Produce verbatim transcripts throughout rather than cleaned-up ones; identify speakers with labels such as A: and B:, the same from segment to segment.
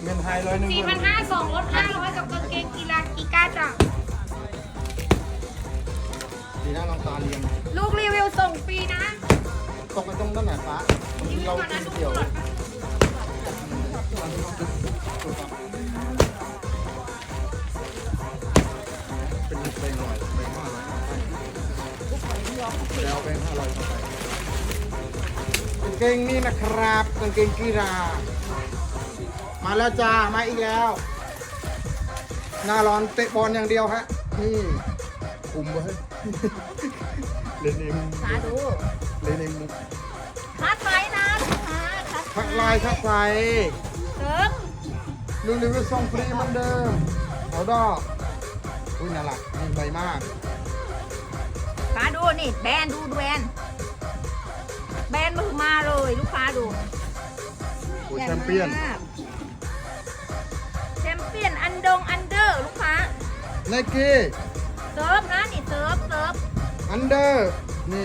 A: เป็นไฮร้อยหนึ่ง
B: สี่พันห้าสองลดห้าร้อยกับกางเกงกีฬากีก้าจ้ะ
A: ดีนะลองตาเรียง
B: ลูกรีวิวส่งฟรีนะ
A: ตกไปตรงด้านไหนฟ้าบางทีเรากินเกี่ยวเป็นเพลงหน่อยเพลงห้าร้อยแล้วเพลงห้าร้อยเข้าไปกางเกงนี่นะครับกางเกงกีฬามาแล้วจ้ามาอีกแล้วหน้าร้อนเตะบอลอย่างเดียวฮะนี่คุมไว้เลนเอง
B: สาธุ
A: เลนเอง
B: คัดไซส์นะลูกค้าคัด
A: ทักลายทักใส
B: เติม
A: ลูกรีวิวส่งฟรีเหมือนเดิมเอาดอกอุ้ยน่ารักนี่ใบมาก
B: ค้าดูนี่แบรนด์ดูแบรนด์แบรนด์มือมาเลยลูกค้าดู
A: โอ้ยแชมเปี้ยน
B: แชมเปี้ยนอันดงอันเดอร์ลูกค้า
A: ไนกี้
B: เซิร์ฟนะนี่เซิร์ฟเซิร์ฟ
A: อันเดอร์นี่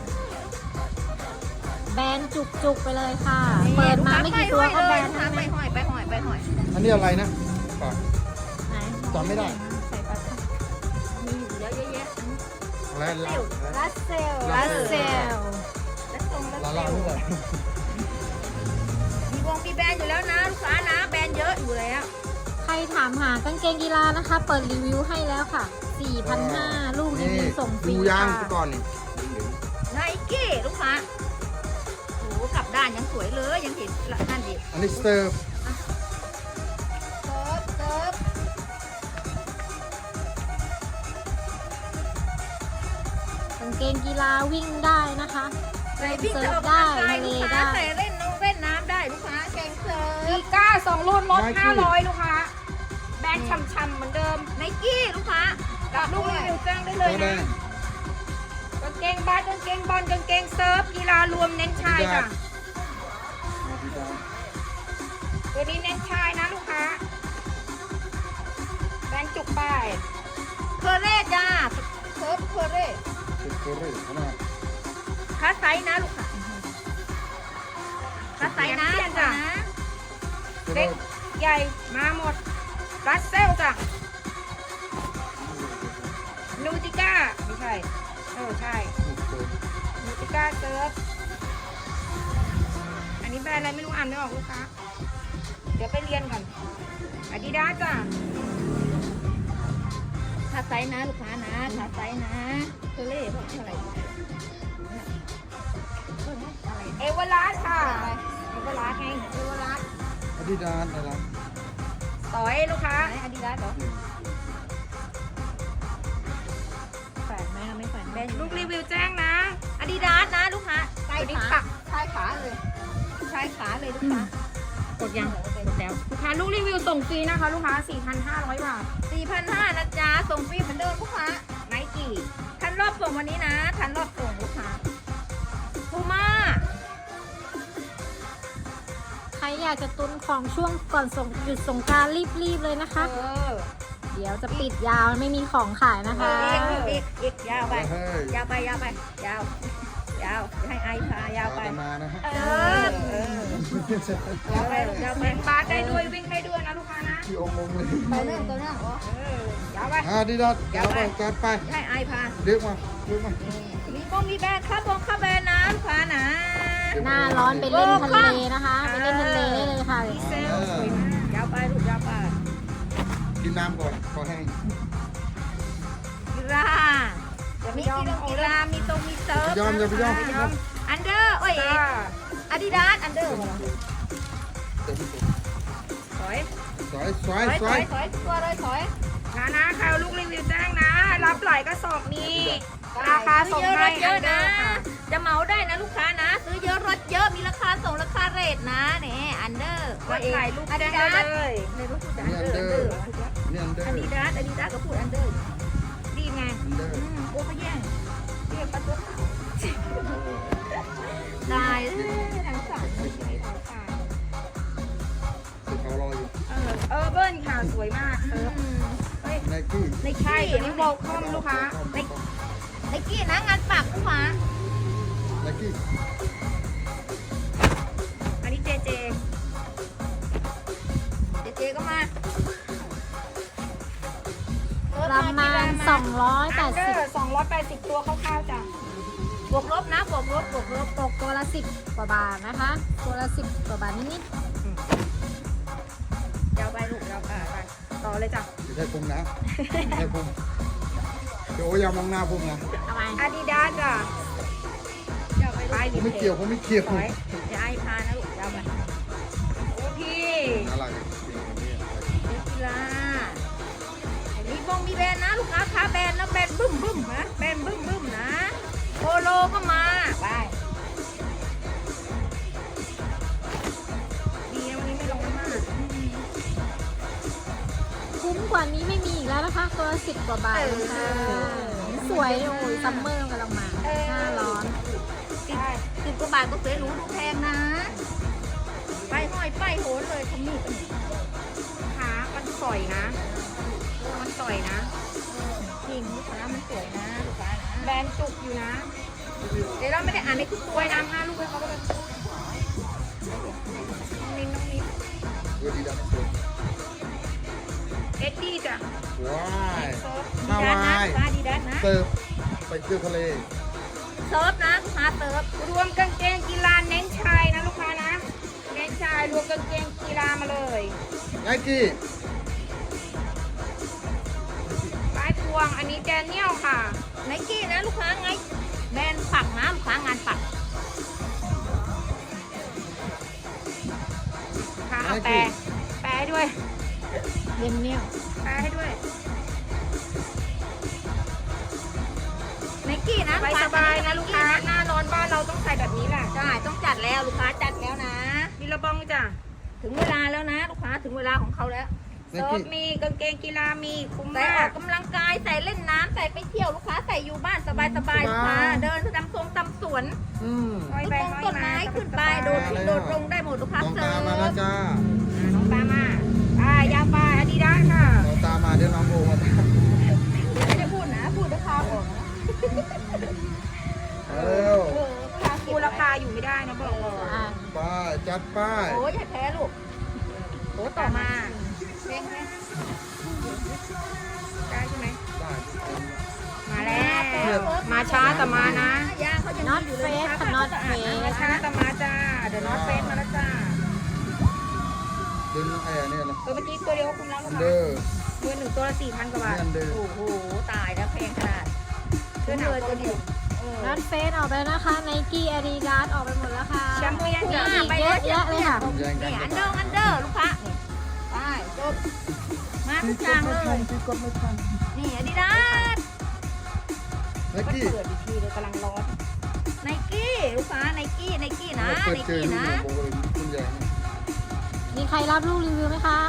C: แบนจุกๆไปเลยค่ะ เปิดมาไม่กี่ตัวก็แบน
B: ทั้
C: ทั้
B: ง
C: ง
B: ไป
C: นั้น
B: ห้อยไปห้อยไปห้อย
A: อันนี้อะไรนะฝาก
C: ไหน
A: จำไม่ได้
C: ใส่ปลา
B: มีอยู่เยอะแยะ
A: อะไรลา
C: ลัสเซล
A: ลัสเซล
B: และทรงและ
A: ลา
B: เซ
A: ลา
B: ล
A: นี่แหละ
B: มีวงมีแบรนด์อยู่แล้วนะลูกค้านะแบรนด์เยอะอยู่แล้ว
C: ใครถามหากางเกงกีฬานะคะ เปิดรีวิวให้แล้วค่ะ สี่พันห้าร้อย ลูกรี
A: นี่
C: วิวส่งฟรี
A: ดูยาง
C: ค่ะ
A: ก่อนนี่
B: ไนกี้ลูกค้าโอ้กลับด้านยังสวยเลยยังเห็นนั่นดิ
A: อันนี้สเตอร์
B: เซิร์ฟเซิร์ฟ
C: กางเกงกีฬาวิ่งได้นะคะ
B: ใส่วิ่ง
C: เซิ
B: จะ
C: ร์
B: อ
C: ฟ
B: อก
C: ได้
B: กำลังกาย
C: ทะเล
B: ลูกค้า
C: ได้
B: ใส่เล่นน้องเล่นน้ำได้ลูกค้าแกงเซิร์ฟกีก้าสองรุ่นลดห้าร้อยลูกค้าแบรนด์ช่ำๆเหมือนเดิมไนกี้ลูกค้ากับลูกรีวิวแจ้งได้เลย
A: แด
B: นะ
A: ง
B: กางเกงบาสกางเกงบอลกางเกงเซิร์ฟกีฬารวมเน้นชายจ้ะตัวนี้เน้นชายนะลูกค้าแบรนด์จุกไปเคอร์เร่จ้าเซิร์ฟเคอร์เร่
A: เป็นโคเรียนะ
B: คัสไซส์นะลูกค้าคัสไซส์นะจ้ะเล็กใหญ่มาหมดรัสเซลจ้ะนูติก้าไม่ใช่เออใช่นูติก้าเซิร์ฟอันนี้แบรนด์อะไรไม่รู้อ่านไม่ออกลูกค้าเดี๋ยวไปเรียนก่อนอาดิดาสจ้ะคัสไซส์นะลูกค้านะคัสไซส์นะเคอร์เร่เท่าไหร่เอเวอร์ลาสค่ะเอเวอร์ลาสไงเอเวอร์ลาส
A: อาดิดาสอะไร
B: ต่อยลูกค้าอาดิดาสเหรอแฝงไหมไม่แฝงแบนลูกรีวิวแจ้งนะอาดิดาสนะลูกค้าใต้ขาใต้ขาเลยใต้ขาเลยลูกค้ากดยังกดแล้วลูกค้าลูกรีวิวส่งฟรีนะคะลูกค้า สี่พันห้าร้อย บาท สี่พันห้าร้อย นะจ๊ะส่งฟรีเหมือนเดิมลูกค้าไนกี้ทันรอบส่งวันนี้นะทันรอบส่งลูกค้าพูม่า
C: ใครอยากจะตุนของช่วงก่อนส่งหยุดสงกรานต์รีบๆเลยนะคะ
B: เออ
C: เดี๋ยวจะปิดยาวไม่มีของขายนะคะ
B: อีกอีกอีกยาวไป
A: เฮ้ย
B: ยาวไปยาวไปยาวยาวให้ไอพายาวไป
A: ตามมานะฮะ
B: เออเออยาวไปยาวไปบาสได้ด้วยวิ่งได้ด้วยนะลูกค้านะ
A: ที่องค์งเลย
B: ไปเรื่องตัวเรื่องอ๋อเออยาวไป
A: อาดิดาสยาวไปจัดไป
B: ให้ไอพา
A: เรียกมาเรียกมา
B: มีบงมีแบรนด์ข้าวบงข้าวแบรนด์นะลูกค้านะ
C: หน้าร้อนไปเล่นทะเลนะคะ ไปเล่นทะเลได้เลยค่ะ
B: ดีเซลสวยมากยาวไปลูกยาวไป
A: กินน้ำก่อนขอแห้ง
B: กีฬาจะมีกีฬากีฬามีตรงมีเซิร์ฟ
A: ยอมอย่าไปยอม
B: ยอมอันเดอร์โอ้ยอาดิดาสอันเดอร์สวย
A: สวยสว
B: ถ
A: ย
B: อย
A: ส
B: ถ
A: ว
B: อย ยถอยตัวเลยถอยนะนะใครเอาลูกรีวิวแจ้งนะ รับหลายกระสอบนี้ราคาส่งให้เยอะนะ จะเหมาได้นะลูกค้านะ ซื้อเยอะลดเยอะมีราคาส่งราคาเรทนะเนี่ยอันเดอร์ก็ถ่ายรูปแจ้งได้เลยในรูปพูดอันเดอร์
A: นี่อันเดอ
B: อัน
A: ร์
B: ดีดาสอันดีดาสก็พูดอันเดอร์ดีไง
A: อันเดอร์
B: อืมโอ้เขาแย่งเรียกประตูตายเลยทั้งสองไม่ใช่ทั้งสาม
A: สุดเขารออยู่
B: เออเออเบิ้ลค่ะสวยมากเออเฮ้ย
A: ไนกี้
B: ในใช่ตัวนี้โวลคอมลูกค้าในในกี้นะงานปักลูกค้า
A: ไนกี้
B: อันนี้เจเจเจเจ
C: สองร้อยแป
B: อั
C: ด
B: นเด
C: สิ
B: อบ ร์สองร้อยแปดสิบตัวคร่าวๆจ้ะบวกลบนะบวกลบบวกลบ
C: ตกตัวละสิบกว่าบาทนะคะ ตัวละสิบกว่าบาทนิด
B: ยาวไปลูกยาวไปไปต่อเลยจ้ะ
A: ไม่ใช่พุงนะไม่ใช่พุงเดี๋ยวโอ้ยอย่ามองหน้าพุงนะ
C: ๆทำไม
B: อาดิดาสจ้ะยาวไป
A: ผมไม่เกี่ยวผมไม่เกี่ยว
B: ถอยอย่าไอ้พานะลูกยาวไปโอ้พี่
A: อะไรกัน
B: นักกีฬามีบงมีแบรนด์นะลูกค้าค้าแบรนด์นะแบรนด์บึ้มบึ้มนะแบรนด์บึ้มบึ้มนะโปโลก็มาไปดีนะวันนี้ไม่ลงน้ำมาก
C: คุ้มกว่านี้ไม่มีอีกแล้วนะคะ ตัวละสิบกว่าบาทค่ะสวยโอ้ยซัมเมอร์กำลังมาหน้าร้อน
B: สิบสิบกว่าบาทก็เสียหรูดูแพงนะ ไปห้อยไปโหนเลยทำนี่กันขามันสอยนะ มันสอยนะจริงลูกค้ามันสวยนะลูกค้านะแบรนด์จุกอยู่นะ เดี๋ยวเราไม่ได้อ่านในทุกตัวนะห้าลูกให้เขาก็เลยน้องนิ้นน้องนิ้น
A: เวทีดับ
B: เอ็ดดี้จ้ะ
A: ว้าย
B: เซิร์ฟ
A: ฮาวาย
B: ดีดัสนะดีดัสนะ
A: เติร์ฟไปเที่ยวทะเล
B: เซิร์ฟนะลูกค้าเซิร์ฟรวมกางเกงกีฬาเน้นชายนะลูกค้านะ เน้นชายรวมกางเกงกีฬามาเลย
A: ไนกี้
B: ปลายพวงอันนี้แดเนียลค่ะไนกี้นะลูกค้าไงแบรนด์ปักนะลูกค้างานปักค่ะเอาแปรแปรให้ด้วย
C: เย็นเนี่ย
B: แปรให้ด้วยไนกี้นะสบายๆนะลูกค้าหน้าร้อนบ้านเราต้องใส่แบบนี้แหละใช่ต้องจัดแล้วลูกค้าจัดแล้วนะมีระบองจ้ะถึงเวลาแล้วนะ ลูกค้าถึงเวลาของเขาแล้วเซิร์ฟมีกางเกงกีฬามีคุ้มใส่ออกกำลังกายใส่เล่นน้ำใส่ไปเที่ยวลูกค้าใส่อยู่บ้านสบายๆลูกค้าเดินตามทรงตามสวน
A: อืม
B: ต้นมงต้นไม้ขึ้นไปโดดขึ้นโดดลงได้หมดลูกค้า
A: น้อง
B: เซิ
A: ตา
B: ร์ฟ
A: มาแล้วจ้า
B: อ่าน้องตามมาอ่ายาปลาอาดิดาสค่ะ
A: น้องตามาเดี๋ยวน้องโอมาตาม
B: ไม่ได้พูดนะพูดราคาบอกนะ
A: เร็ว
B: เออราคาคูราคาอยู่ไม่ได้นะบอกก่อน
C: อ่ะ
A: ป้ายจัดป้าย
B: โอ้ยอย่าแพ้ลูกโอ้ต่อมาเพลงไหมได้ใช่ไหม
A: ได้
B: มาแล้วมาช้าแต่มานะย่างเขาจะ
C: น็อตเฟสค่ะน็อตเฟส
B: มาช้าแต่มาจ้าเดี๋ยวน็อตเฟสมาแล้วจ้า
A: ดึงไอ้เนี่ยนะ
B: ตัวเมื่อกี้ตัวเดียวก็คุ้มแล้ว
A: อั
B: ลู
A: น
B: ก
A: เด
B: ค้า
A: อร์
B: มือหนึ่งตัวละสี่พันกว่าบาท
A: นี่อันเดิม
B: โอ้โห ตายแล้วแพงขนาดเสื้อหนาวตัวเดียวเออ
C: น็อตเฟสออกไปแล้วนะคะไนกี้อาดิดาสออกไปหมดแล้วค่ะ
B: แชมเปี้ยน
C: มี
B: จ้ะ
C: อีกเยอะแยะเลยค่ะ
A: แย่งกัน
B: นี่อันเดอร์อันเดอร์ลูกค้านี่ไปจบมาทุกอย่างเลย
A: พี่กดไม่ทัน
B: นี่อาดิดาส
A: ไน
B: ก็
A: กี้
B: เปิดอีกทีเลยกำลังร้อนไนกี้ลูกค้าไนกี้ไนกี้นะ
A: เปิด
B: ไน
A: เจอ
B: กี้
A: นี่
B: นะ
A: โอ้โหคุณใหญ่
C: มีใครรับลูกรีวิวไหมคะ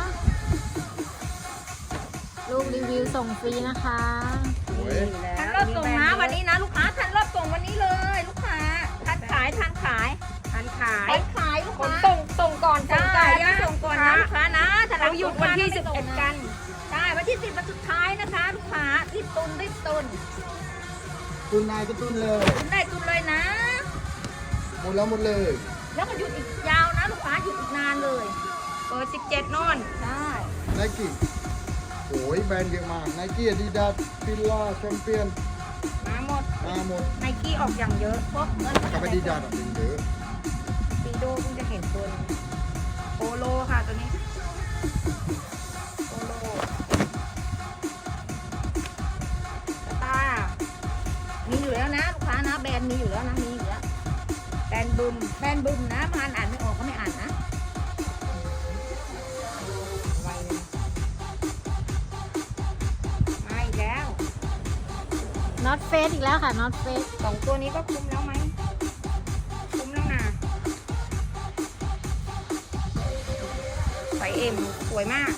C: ลูกรีวิวส่งฟรีนะคะ
A: โอ้ย
B: ทันรอบส่งนะวันนี้นะลูกค้าทันรอบส่งวันนี้เลยลูกค้าทันขายทันขายทันขายทันขายลูกค้าส่งส่งก่อนส่งจ่ายนะส่งก่อนนะลูกค้านะถ้าเราหยุดวันที่สิบเอ็ดกันใช่วันที่สิบวันสุดท้ายนะคะลูกค้ารีบตุนรีบตุน
A: ตุนนายก็ตุนเลย
B: ตุนได้ตุนเลยนะ
A: หมดแล้วหมดเลย
B: แล้วก็หยุดอีกยาวนะลูกค้าหยุดอีกนานเลยเปิดสิบเจ็ดนอนใช่
A: ไนกี้โอ้ยแบรนด์เยอะมากไนกี้อาดิดาสฟิลล่าแชมเปี้ยน
B: มาหมด
A: มาหมด
B: ไนกี้ออกอย่างเยอะพวกเงิน
A: กับอาดิดาสอ่ะเป็นเยอะ
B: ปีโดเพิ่งจะเห็นตัวนี้โปโลค่ะตัวนี้โปโลสตาร์มีอยู่แล้วนะลูกค้านะแบรนด์มีอยู่แล้วนะมีอยู่แล้วแบรนด์บึมแบรนด์บึมนะมาอ่านไม่ออกก็ไม่อ่านนะไวเลยมาอีกแล้ว
C: น็อตเฟสอีกแล้วค่ะน็อตเฟส
B: สองตัวนี้ก็คุ้มแล้วไหมคุ้มแล้วนะไซส์เอ็มสวยมาก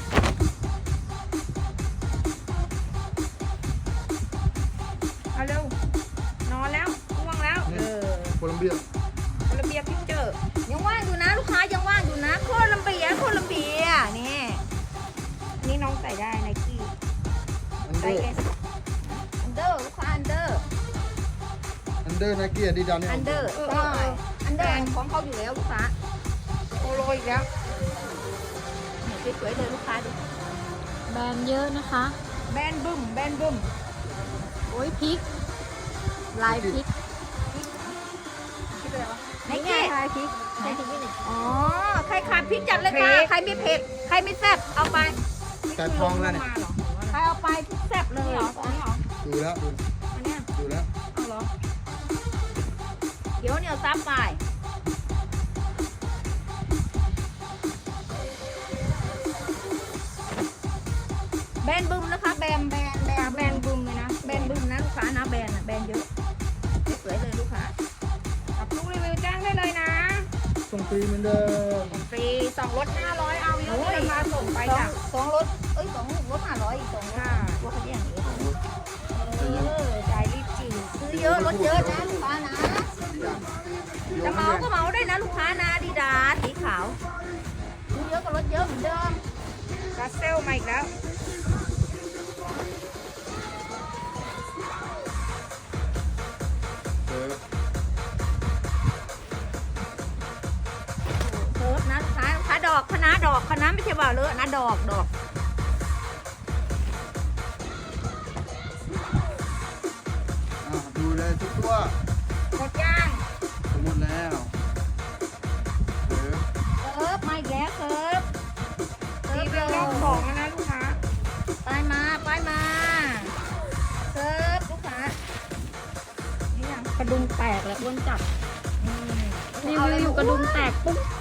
B: เอาเร็วนอนแล้วง่วงแล้วเออ
A: โคลัมเบีย
B: โคลัมเบียพิกเจอร์ยังว่างอยู่นะลูกค้ายังว่างอยู่นะโคลัมเบียโคลัมเบียนี่นี่น้องใส่ได้ไนกี้
A: อัน
B: ไซ
A: เดอ
B: ส์
A: ร์
B: เอสอันเดอร์ลูกค้าอันเดอร์
A: อันเดอร์ไนกี้อาดิดาสเนี่ย
B: อันเดอร์ใช่อันเดอร์ของเขาอยู่แล้วลูกค้าโปโลอีกแล้วนี่สวยๆเลยลูกค้าดู
C: แบรนด์เยอะนะคะ
B: สแบนบึ้มแบนบึ้ม
C: โอ้ยพริก ลายพริก
B: ไหน
C: นี่ไง
B: เก๊
C: ลายพริกใส่พริกนิดหนึ่ง
B: อ๋อใครขาดพริกจัดเลยค่ะใครไม่เผ็ดใครไม่แซ่บเอาไป
A: แต่ทองแล้วเนี่ย
B: ใครเอาไปพริกแซ่บเลยเหรออันนี้เหรอ
A: ดูแล้วดู
B: อันเนี้ย
A: ดูแล้ว
B: เอาเหรอเดี๋ยวเหนียวซับไปแบนบึ้มนะคะแบนแบนแบนแบนบึ้มเลยนะแบนบึ้มนะลูกค้านะแบนอะแบนเยอะสวยๆเลยลูกค้ากับลูกรีวิวแจ้งได้เลยนะ
A: ส่งฟรีเหมือนเดิม
B: ฟรีสองรถห้าร้อยเอาเยอะเลยมาส่งไปจ้ะสองรถเอ้ยสองรถห้าร้อยอีกสองรถรถเขาอย่างนี้เออใจรีบจีซื้อเยอะรถเยอะนะลูกค้านะจะเหมาก็เหมาได้นะลูกค้านะดีดาสีขาวซื้อเยอะก็รถเยอะเหมือนเดิมกาเซลมาอีกแล้ว
A: เออ
B: เคิร์ฟนะลูกค้าลูกค้าดอกคณะดอกคณะไม่ใช่ว่าเลอะนะดอกดอก
A: อ่ะดูเลยทุกตัว
B: หมดย่าง
A: หมดแล้วเออ
B: เคิร์ฟมาอีกแล้วเคิร์ฟรีวิวรอบสองแล้วนะลูกค้าไปมาไปมาเคิร์ฟลูกค้านี่ยังกระดุมแตกแล้วอ้วนจัด
C: รีวิวอยู่กระดุมแตกปุ๊บ